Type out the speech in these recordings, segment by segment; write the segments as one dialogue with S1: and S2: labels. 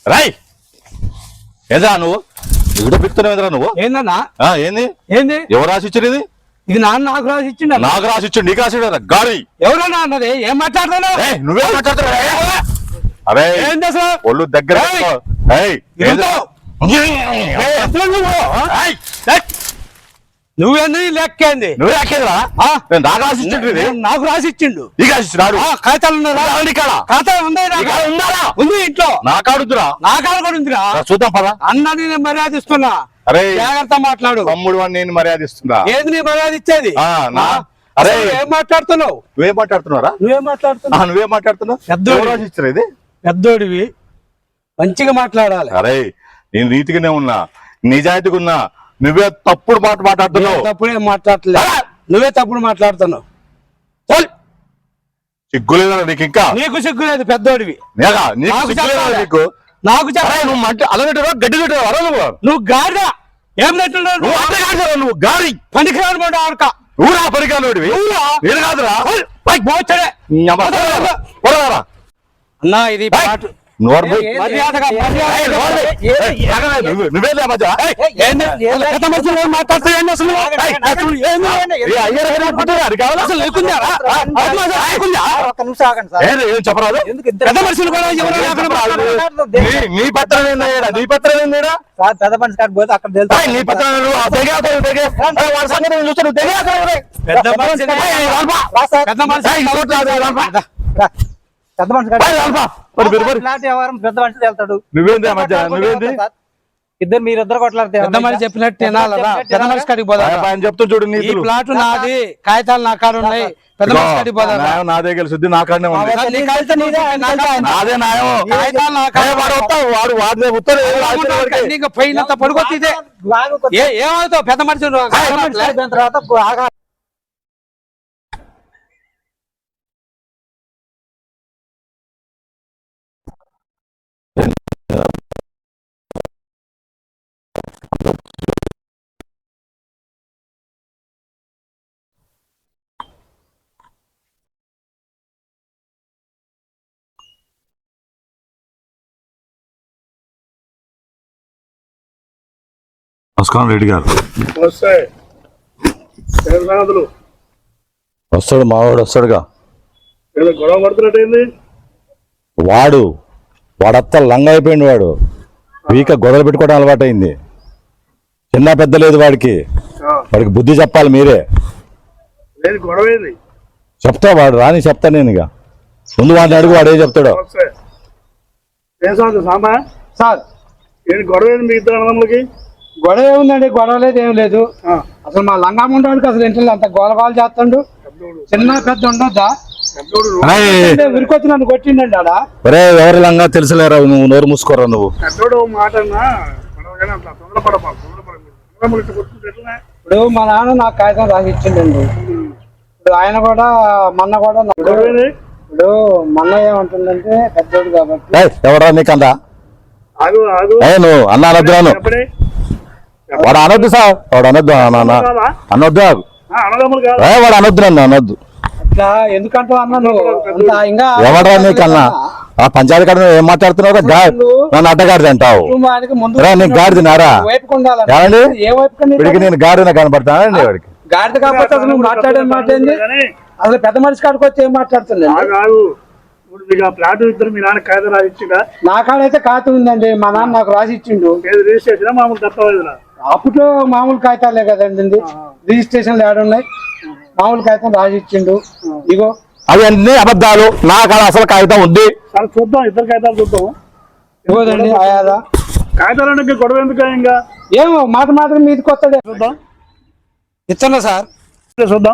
S1: రాయ్ ఏదా నువ్వు ఇక్కడ పెడుతున్నావు నువ్వు
S2: ఏందన్నా
S1: ఏంది
S2: ఏంది
S1: ఎవరు రాసి ఇచ్చారు ఇది
S2: ఇది నాకు రాసి ఇచ్చిండ
S1: నాకు రాసి ఇచ్చాడు నీకు రాసి గాడి
S2: ఎవరన్నా అన్నది ఏం మాట్లాడుతున్నావు
S1: నువ్వే మాట్లాడుతున్నావు అరే
S2: ఏంది అసలు
S1: ఒళ్ళు దగ్గర
S2: నువ్వేంది లెక్కేంది
S1: నువ్వే లెక్కేదిరా నాకు రాసి ఇచ్చిండు
S2: నాకు రాసి ఇచ్చిండు
S1: నీకు రాసి ఇచ్చినాడు
S2: ఖాతాలు ఉన్నారా ఖాతాలు ఉందా ఉంది ఇంట్లో
S1: నా కాడుద్దురా
S2: నా కాడు కూడా ఉందిరా
S1: చూద్దాం పదా
S2: అన్నది నేను మర్యాద ఇస్తున్నా
S1: అరే
S2: జాగ్రత్త మాట్లాడు
S1: తమ్ముడు అని నేను మర్యాద ఇస్తున్నా
S2: ఏది నీ మర్యాద ఇచ్చేది
S1: అరే
S2: ఏం మాట్లాడుతున్నావు
S1: నువ్వేం మాట్లాడుతున్నారా
S2: నువ్వేం మాట్లాడుతున్నావు
S1: పెద్దోడు రాసి ఇచ్చారు ఇది
S2: పెద్దోడివి మంచిగా మాట్లాడాలి
S1: అరే నేను నీతిగానే ఉన్నా నిజాయితీగా ఉన్నా నువ్వే తప్పుడు మాట మాట్లాడుతున్నావు
S2: తప్పుడే మాట్లాడలేదు నువ్వే తప్పుడు మాట్లాడుతున్నావు
S1: సిగ్గులేదా నీకు ఇంకా
S2: నీకు సిగ్గులేదు పెద్దోడివి
S1: నీకు
S2: నాకు
S1: నువ్వు అలాగే గడ్డి పెట్టావు
S2: నువ్వు గాడిద ఏం తింటున్నావు
S1: నువ్వు గాడి
S2: పనికిరాను మాట ఆడక
S1: ఊరా పరికాలోడివి నేను కాదురా
S2: అన్నా ఇది
S1: నువ్వేలే మధ్య చెప్పరాదు నీ పత్రం ఏందా నీ పత్రం ఏందా
S3: పెద్ద మనిషి కాదు పోతే అక్కడ
S1: నీ పత్రం
S3: పెద్ద మనిషి వ్యవహారం పెద్ద మనిషి వెళ్తాడు.
S1: నువ్వేంది మధ్య నువ్వేంది
S3: ఇద్దరు మీరిద్దరు కొట్లాడితే
S2: పెద్ద మనిషి చెప్పినట్టు పెద్ద మనిషి కాడికి పోదాం
S1: చెప్తూ చూడు
S2: ఈ ప్లాట్ నాది కాగితాలు నా కాడ ఉన్నాయి పెద్ద మనిషి కాడికి పోదాం
S1: నాదే గెలిచింది నా కాడనే ఉంది నాదే న్యాయం వాడు వాడిదే ఉత్తరం
S2: పోయినంత పడుకొత్తే ఏమవుతావు పెద్ద మనిషి
S3: తర్వాత
S1: నమస్కారం రెడ్డి గారు వస్తాడు మావాడు వస్తాడుగా
S4: గొడవ పడుతున్నట్టయింది
S1: వాడత్త లంగ అయిపోయింది వాడు వీక గొడవలు పెట్టుకోవడం అలవాటు అయింది చిన్న పెద్ద లేదు వాడికి బుద్ధి చెప్పాలి మీరే చెప్తా వాడు రాని చెప్తా నేను ఇక ముందు వాడిని అడుగు వాడే చెప్తాడు
S2: సార్
S4: గొడవ మీ ఇద్దరు అన్నదమ్ములకి
S2: గొడవ ఏముందండి గొడవ లేదు ఏం లేదు అసలు మా లంగాముండవాడికి అసలు ఇంట్లో అంత గోలగోలు చేస్తాడు చిన్న పెద్ద ఉండొద్దా విరికొచ్చి నన్ను కొట్టిండండి ఆడ
S1: ఎవరి లంగా తెలుసులేరా నువ్వు నోరు మూసుకోరా నువ్వు
S2: ఇప్పుడు మా నాన్న నాకు కాగితం రాసి ఇచ్చిండండి ఇప్పుడు ఆయన కూడా మొన్న కూడా ఇప్పుడు మొన్న ఏమంటుందంటే పెద్దోడు కాబట్టి
S1: ఎవరా నీకందా నువ్వు అన్న అనొద్దురాను వాడు అనొద్దు సార్ వాడు అనొద్దు అనొద్దు వాడు అనొద్దు నన్ను అనొద్దు
S2: అట్లా ఎందుకంటావు అన్న నువ్వు
S1: ఎవడరా నీకన్నా ఆ పంచాయతీ కాడ ఏం మాట్లాడుతున్నావు నన్ను అడ్డగాడిది అంటావు నీకు గాడిది నారా ఏమండి వీడికి నేను గాడిన కనపడతానండి వాడికి
S2: గాడిద కాకపోతే అసలు నువ్వు మాట్లాడే మాట ఏంది అసలు పెద్ద మనిషి కాడికి వచ్చి ఏం మాట్లాడుతుంది
S4: ప్లాట్ ఇద్దరు మీ నాన్న కాగితం రాసి ఇచ్చిందా
S2: నా కాడైతే ఖాతా ఉందండి మా నాన్న నాకు రాసి ఇచ్చిండు
S4: రిజిస్ట్రేషన్ మామూలు తప్పలేదు
S2: అప్పట్లో మామూలు కాగితాలే కదండి రిజిస్ట్రేషన్లు ఏడున్నాయి మామూలు కాగితం రాసి ఇచ్చిండు ఇగో
S1: అవి అన్ని అబద్ధాలు నా కాడ అసలు కాగితం ఉంది
S4: చూద్దాం ఇద్దరు కాగితాలు చూద్దాం
S2: ఇవ్వదండి ఆయాదా
S4: కాగితాలు గొడవ ఎందుకు ఇంకా
S2: ఏమో మాట మాత్రం మీదకి వస్తాడే
S4: చూద్దాం
S2: ఇస్తున్నా సార్
S4: చూద్దాం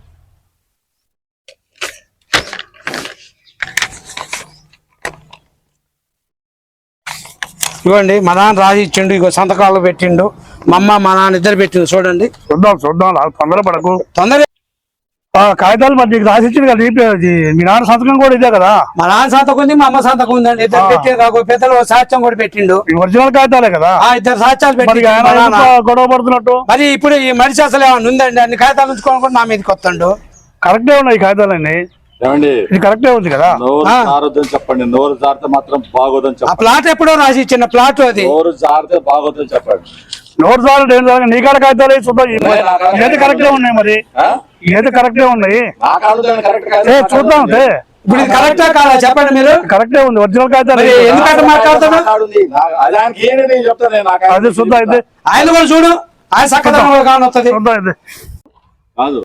S2: ఇవ్వండి మా నాన్న రాసి ఇచ్చిండు ఇగో సంతకాలు పెట్టిండు మా అమ్మ మా నాన్న ఇద్దరు పెట్టిండు చూడండి
S4: చూద్దాం తొందరపడకు
S2: తొందర
S4: కాగితాలు మరి నీకు రాసి ఇచ్చింది కదా మీ నాన్న సంతకం కూడా ఇదే కదా
S2: మా నాన్న సంతకం ఉంది మా అమ్మ సంతకం ఉందండి ఇద్దరు పెట్టి పెద్దలు సాక్ష్యం కూడా పెట్టిండు
S4: ఒరిజినల్ కాగితాలే కదా
S2: ఇద్దరు సాక్ష్యాలు పెట్టి
S4: గొడవ పడుతున్నట్టు
S2: మరి ఇప్పుడు ఈ మనిషి అసలు ఏమన్నా ఉందండి అన్ని కాగితాలు ఉంచుకోని కూడా నా మీదకి వస్తాడు
S4: కరెక్టే ఉన్నాయి కాగితాలన్నీ
S1: ఏమండి
S4: ఇది కరెక్టే ఉంది కదా.
S1: నోరు జారొద్దని చెప్పండి. నోరు జారితే మాత్రం బాగోదని
S2: ఆ
S1: చెప్పండి.
S2: ప్లాట్ ఎప్పుడో రాసి ఇచ్చిన ప్లాట్ అది.
S1: నోరు జారితే బాగోదని చెప్పండి.
S4: నోరు జారు ఏం జారు నీ కాడ కాగితాలు వేసి చూద్దాం. ఏది కరెక్టే ఉన్నాయి మరి,
S1: ఆ?
S4: ఏది కరెక్టే ఉన్నాయి
S1: నా కాదు కరెక్ట్ కాదు.
S4: చూద్దాం. అదే
S2: ఇప్పుడు ఇది కరెక్టా కాదా చెప్పండి మీరు.
S4: కరెక్టే ఉంది, ఒరిజినల్ కాగితాలు
S2: మరి ఎందుకంటే మాట్లాడుతాడు
S1: దానికి ఏంటి నేను చెప్తాను. నేను నాకు
S4: అదే చూద్దాం. అయితే
S2: ఆయన కూడా చూడు, ఆయన చక్కదనం కూడా కానొస్తుంది.
S4: చూద్దాం. అయితే
S1: కాదు.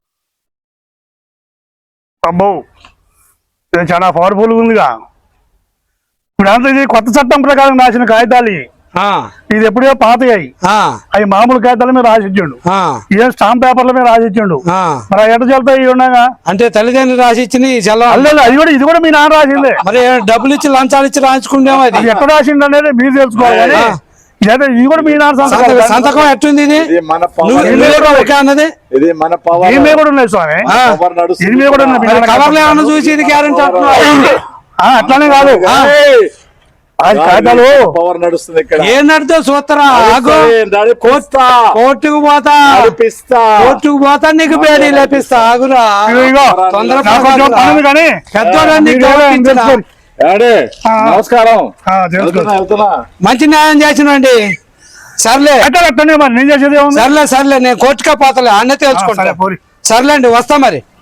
S4: అబ్బో ఇది చాలా పవర్ఫుల్ ఉందిగా. ఇప్పుడు అంతా ఇది కొత్త చట్టం ప్రకారం రాసిన కాగితాలు ఇవి.
S2: ఆ,
S4: ఇది ఎప్పుడో పాతయ్యాయి.
S2: ఆ,
S4: అవి మామూలు కాగితాల మీద రాసిచ్చిండు,
S2: ఆ,
S4: ఇదే స్టాంప్ పేపర్ల మీద రాసిచ్చిండు.
S2: ఆ.
S4: మరి ఎట చెల్తాయి ఇవి ఉండగా?
S2: అంటే తల్లిదండ్రులు రాసి ఇచ్చిన
S4: అల్లలేదు, ఇది కూడా మీ నాన్న రాసిందే.
S2: మరి డబ్బులు ఇచ్చి లంచాలు ఇచ్చి రాయించుకుంటాం. అది
S4: అది ఎక్కడ రాసిండు అనేది మీరు తెలుసుకోవాలి. కానీ ఇదైతే ఇది కూడా మీ నాన్న సంతకం.
S2: సంతకం ఎట్టుంది ఇది?
S1: ఇది మన
S2: నువ్వు
S1: పవర్.
S2: ఇల్లు కూడా ఒకే అన్నది.
S1: ఇది మన పవర్.
S4: దీని మీద కూడా ఉన్నాయి స్వామి,
S1: పవర్ నడుస్తుంది.
S4: దీని మీద కూడా ఉన్నాయి.
S2: మరి కవర్లు ఏమన్నా చూసి ఇది గ్యారెంటీ అంటున్నావు?
S4: అట్లానే కాదు, అది కాగితాలు
S1: పవర్ నడుస్తుంది ఇక్కడ.
S2: ఏం నడితే చూస్తారా? ఆగు,
S1: నడిపిస్తా.
S2: కోర్టుకు పోతా,
S1: నడిపిస్తా.
S2: కోర్టుకు పోతా, నీకు బేడీ లేపిస్తా. ఆగురా,
S4: ఇదిగో,
S2: తొందర
S4: నాకు కొంచెం పని ఉంది కానీ
S2: పెద్దోళ్ళని
S4: మీరు ఎవరో
S2: గౌరవించరా?
S4: తెలుసుకోండి.
S1: ఏమండి? నమస్కారం.
S4: తెలుసుకోండి.
S1: వెళ్తున్నా.
S2: మంచి న్యాయం చేసినండి. సర్లే
S4: అట్టనే మరి నేను చేసేది ఏముంది?
S2: సర్లే సర్లే, నేను కోర్టుకే పోతలే, అన్న
S4: సరే,
S2: తెలుసుకుంటా.
S4: పోరి.
S2: సర్లేండి, వస్తా మరి.